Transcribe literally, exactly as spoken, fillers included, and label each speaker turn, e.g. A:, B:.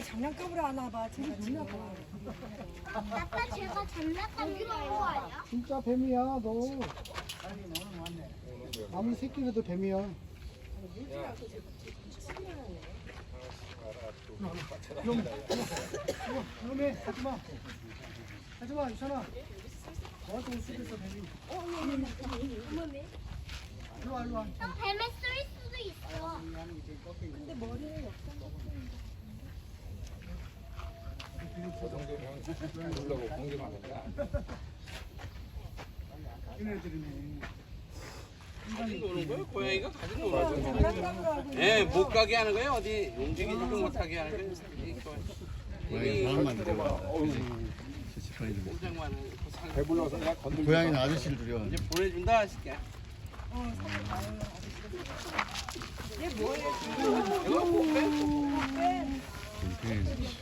A: 아이 장난감으로 하나 봐. 제가 지금.
B: 아빠 제가 장난감으로 한거 아니야?
C: 진짜 뱀이야 너. 아무리 새끼라도 뱀이야. 그럼 그럼해 가지마. 가지마 유찬아. 너한테 올 수도 있어 뱀이. 일로 와 일로 와.
B: 형 뱀에 쏠 수도 있어.
A: 근데 머리는
D: 저 정도면 놀라고 공격하는 거야.
C: 얘네들이네.
E: 가지고 노는 거예요? 고양이가 가지고 노는 거예요?
A: 장난감으로 하고.
E: 예, 못 가게 하는 거예요? 어디 움직이지 못하게 하는 거예요?
F: 고양이 사람만 들여와.
E: 꼼짝만
D: 배불러서 내가 건들.
F: 고양이는 아저씨를 들여.
E: 이제 보내준다 하실게.
A: 어, 사진 봐요. 얘 뭐예요?
E: 이거 못 빼?
A: 빼.